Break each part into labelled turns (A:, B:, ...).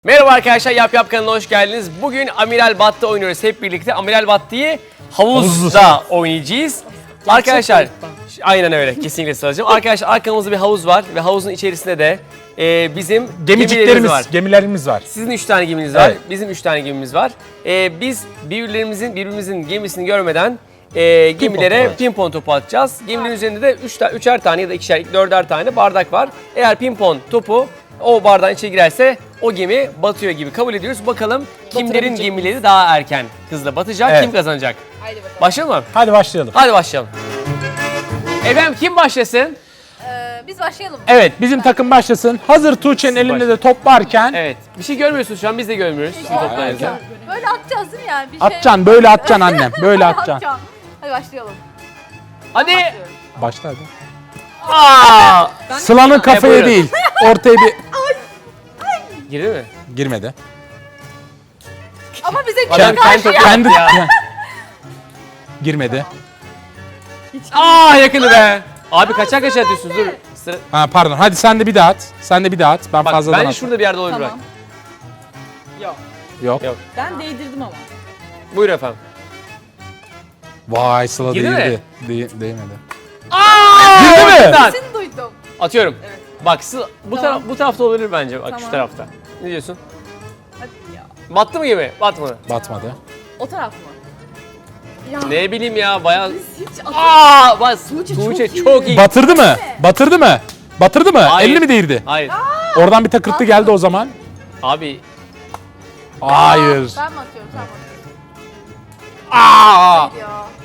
A: Merhaba arkadaşlar, Yap Yap kanalına hoş geldiniz. Bugün Amiral Battı oynuyoruz hep birlikte. Amiral Battı'yı havuzda oynayacağız. Arkadaşlar, aynen öyle, kesinlikle Sıla'cığım. Arkadaşlar arkamızda bir havuz var ve havuzun içerisinde de bizim
B: gemilerimiz var.
A: Sizin 3 tane geminiz var,
B: Evet.
A: bizim 3 tane gemimiz var. Biz birbirimizin gemisini görmeden gemilere pimpon topu atacağız. Geminin üzerinde de 3'er tane ya da 2'şer, 4'er tane bardak var. Eğer pimpon topu o bardağın içine girerse o gemi batıyor gibi kabul ediyoruz. Bakalım kimlerin gemileri daha erken hızla batacak,
B: Evet.
A: kim kazanacak?
C: Haydi bakalım.
A: Başlayalım mı?
B: Hadi başlayalım.
A: Hadi başlayalım. Efendim kim başlasın?
C: Biz başlayalım.
B: Evet, bizim takım başlasın. Hazır Tuğçe'nin elinde de top varken
A: Evet. Bir şey görmüyorsunuz şu an, biz de görmüyoruz. Sizin toplarınızı.
C: Böyle atacağız değil mi yani? Bir şey...
B: atacaksın, böyle atacaksın annem. Böyle atacaksın.
C: Atacağım. Hadi başlayalım.
A: Hadi.
B: Başla hadi.
A: Aa!
B: Sıla'nın kafaya
A: buyurun.
B: değil, ortaya bir...
A: Girdi mi?
B: Girmedi.
C: Ama bize
A: Adam kendi topu
B: Kendi...
A: ya.
B: Girmedi.
A: Aa, yakını be. Abi kaçar atıyorsunuz, dur. Sıra...
B: Ha pardon, hadi sen de bir daha at. Sen de bir daha at. Ben
A: Bak
B: fazladan
A: bence
B: at.
A: şurada bir yerde olabilir
D: Tamam. Yok.
B: Yok.
A: Yok.
D: Ben değdirdim ama.
A: bak. Buyurun efendim.
B: Vay Sıla
A: Girdi mi?
B: değildi. Değmedi.
A: Aa!
B: Girdi mi?
A: Oradan.
C: Seni duydum.
A: Atıyorum. Bak bu
D: Tamam.
A: bu tarafta olabilir bence. Bak şu
D: Tamam.
A: tarafta. Ne diyorsun?
D: Hadi ya.
A: Battı mı gemi? Batmadı.
B: Batmadı.
D: O taraf mı?
C: Ya.
A: Ne bileyim ya, bayağı...
D: Biz hiç
A: Aa! Bak
D: Tuğçe
A: çok iyi.
B: Batırdı mı? Batırdı mı? Batırdı mı?
A: Hayır.
B: 50 mi değirdi?
A: Hayır.
B: Oradan bir takırtı geldi o zaman.
A: Abi.
B: Hayır.
C: Ben mi atıyorum? Sen mi atıyorsun?
A: Aa!
C: Hayır ya.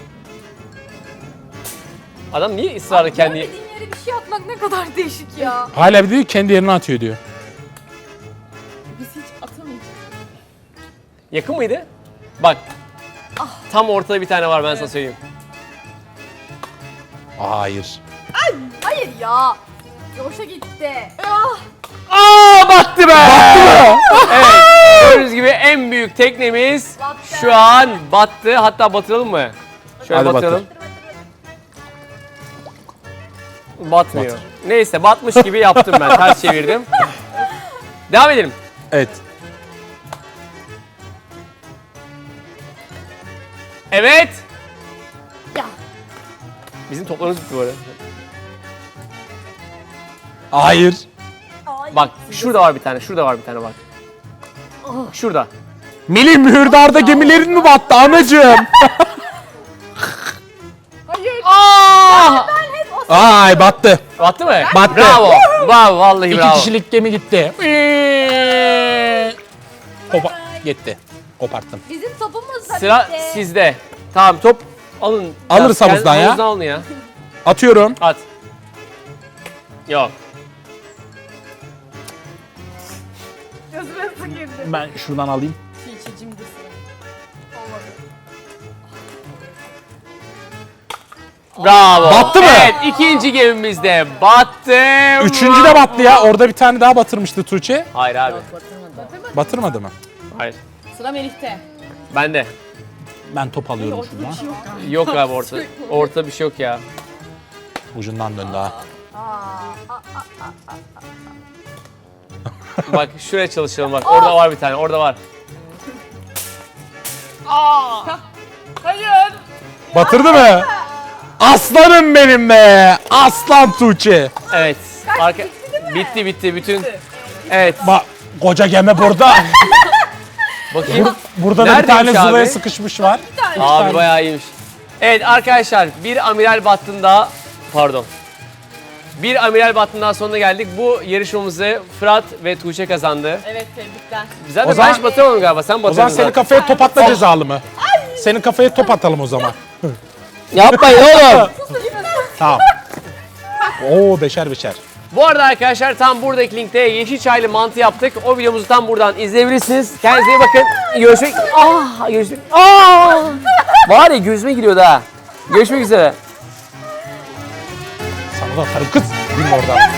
A: Adam niye ısrarla kendi...
C: Görmediğin yere bir şey atmak ne kadar değişik ya.
B: Hala bir diyor ki kendi yerine atıyor diyor.
D: Biz hiç atamayacağız.
A: Yakın mıydı? Bak. Tam ortada bir tane var, ben sana söyleyeyim.
B: Hayır.
C: Hayır ya. Yoşa gitti. Ah.
A: Aa, battı be! Evet. Gördüğünüz gibi en büyük teknemiz
C: Battı.
A: şu an battı. Hatta batıralım mı? Şöyle
B: Hadi
A: batıralım. Batmıyor.
B: Batır.
A: Neyse, batmış gibi yaptım ben. Ters çevirdim. Devam edelim.
B: Evet.
A: Evet.
C: Ya.
A: Bizim toplarımız bitti bu arada.
B: Hayır.
C: Ay.
A: Bak şurada var bir tane. Şurada var bir tane bak. Şurada.
B: Melih mühürdarda gemilerin mi battı anacığım?
C: Hayır.
A: Aa!
B: Ay battı.
A: Battı mı?
B: Battı.
A: Bravo. Bravo, vallahi
B: İki
A: bravo.
B: kişilik gemi gitti. Gitti. Koparttım.
C: Bizim topumuz da
A: Sıra
C: bitti.
A: sizde. Tamam, top alın.
B: Alırız
A: Kendi
B: havuzdan ya.
A: Havuzdan alın ya.
B: Atıyorum.
A: At. Yok.
C: Gözüme su girdi.
B: Ben şuradan alayım.
D: Çiğçicimdir sıra.
A: Bravo.
B: Battı mı?
A: Evet, ikinci gemimiz de battı.
B: Üçüncü de battı ya. Orada bir tane daha batırmıştı Tuğçe.
A: Hayır abi.
D: Yok batırmadı.
B: Batırmadı mı?
A: Hayır.
D: Sıra Melih'te.
A: Bende.
B: Ben top alıyorum
D: Ortada
B: şuradan.
D: bir şey yok.
A: Yok abi, orta. Orta bir şey yok ya.
B: Ucundan döndü ha.
A: Bak şuraya çalışalım bak. Orada var bir tane. Orada var.
D: Hayır.
B: Batırdı mı? Aslanım benim be. Aslan Tuğçe.
A: Evet. Arka... Bitti bütün. Evet.
B: Bak koca gemi burada.
A: Bakayım.
B: Burada da bir
A: Neredeymiş
B: tane
A: abi?
B: zulaya sıkışmış var.
A: Abi bayağı iyiymiş. Evet arkadaşlar, bir amiral battığında pardon. Bir amiral battığından sonuna geldik. Bu yarışmamızı Fırat ve Tuğçe kazandı.
D: Evet, tebrikler.
A: Zaten
B: O zaman-
A: ben hiç batıramadım galiba. Sen
B: O zaman
A: batırdın
B: senin
A: zaten.
B: kafaya top atma cezalı mı? Senin kafaya top atalım o zaman.
A: Yapmayın oğlum.
B: Tamam. Oo beşer beşer.
A: Bu arada arkadaşlar, tam buradaki linkte yeşil çaylı mantı yaptık. O videomuzu tam buradan izleyebilirsiniz. Kendinize iyi bakın. Görüşmek. Var ya, gözüme giriyordu ha. Görüşmek üzere.
B: Sana da atarım kız. Bilme oradan.